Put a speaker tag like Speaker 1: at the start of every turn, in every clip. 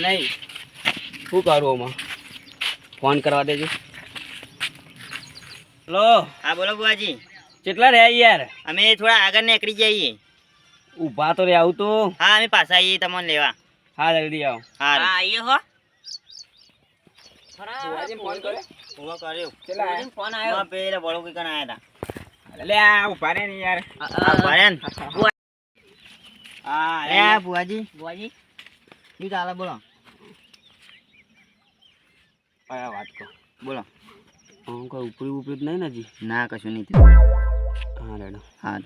Speaker 1: નહીં શું કરું આમાં ફોન કરવા દેજો. હેલો.
Speaker 2: હા બોલો બુઆજી.
Speaker 1: કેટલા રહ્યા યાર?
Speaker 2: અમે થોડા આગળ નીકળી જઈએ.
Speaker 1: ઊભા તો રે આવું તો.
Speaker 2: હા અમે પાછા આવીએ તમને લેવા.
Speaker 1: હા જલ્દી આવો.
Speaker 2: હા આવીએ હો.
Speaker 1: ફોન કર્યો?
Speaker 2: ફોન આવ્યો પેલા બળો કઈ કણ આયા હતા.
Speaker 1: લે આ ઊભા રે ને યાર.
Speaker 2: ઉભા રે ને.
Speaker 1: હા
Speaker 2: એ બુઆજી બુઆજી શું ચાલે બોલો.
Speaker 1: કયા વાત કહો
Speaker 2: બોલો.
Speaker 1: કોઈ ઉપરી ઉપરી જ નહીં ને હજી?
Speaker 2: ના કશું નહીં થયું.
Speaker 1: હા રેડો.
Speaker 2: હા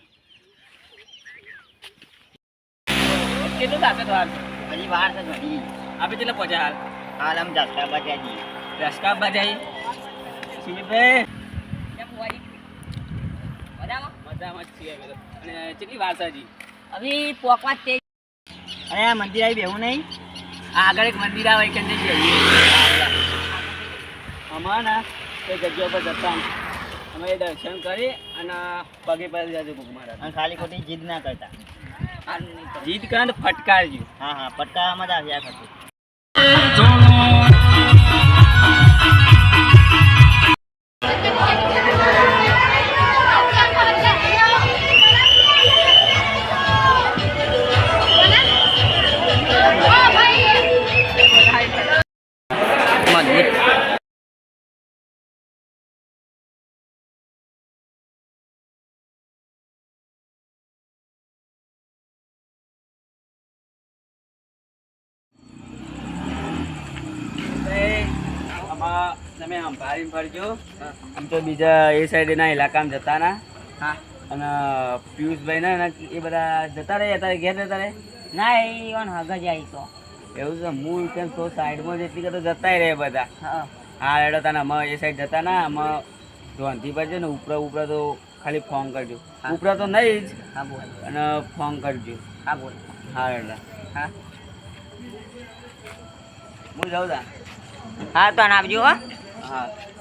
Speaker 1: કેટલું થશે તો હાલ?
Speaker 2: હજી વાર છે ઘણી.
Speaker 1: આપણે કેટલા પહોંચ્યા હાલ?
Speaker 2: હાલ આમ જાત્રા બચ્યા જઈએ.
Speaker 1: રસ્કા બજાઈ શિવભાઈ મજામાં જ છીએ અમે તો. અને કેટલી વાર છે હજી?
Speaker 2: હવે પોકવા જ અને આ મંદિર આવી બેવું નહીં.
Speaker 1: આ આગળ એક મંદિર આવે કે જઈએ અમારા ના તે જગ્યા પર જતા અમે દર્શન કરી અને પગે પડી જજો ભૂખ મારા.
Speaker 2: અને ખાલી ખોટી જીદ ના કરતા.
Speaker 1: જીત કરે તો ફટકારજો.
Speaker 2: હા હા પટકાવામાં જ આવ્યા કરતું.
Speaker 1: તમે આમ ભારી ફરજો. આમ તો બીજા એ સાઈડના ઇલાકામાં જતા ના.
Speaker 2: હા
Speaker 1: અને પિયુષભાઈ ને એ બધા જતા રહે અત્યારે ઘેર જતા રહે.
Speaker 2: ના એ હગા જાય તો
Speaker 1: એવું છે. હું કેમ તો સાઈડમાં જેટલી તો જતાય રહે બધા.
Speaker 2: હા
Speaker 1: હા રેડો તને અમે એ સાઈડ જતા ના અમે ધોનથી પર છે ને ઉપરા ઉપરા તો ખાલી ફોન કરજો. ઉપરા તો નહીં જ.
Speaker 2: હા બોલ.
Speaker 1: અને ફોન કરજો.
Speaker 2: હા બોલ.
Speaker 1: હા રેડા.
Speaker 2: હા
Speaker 1: હું જાઉં તા.
Speaker 2: હા તો આવજો હો.
Speaker 1: હા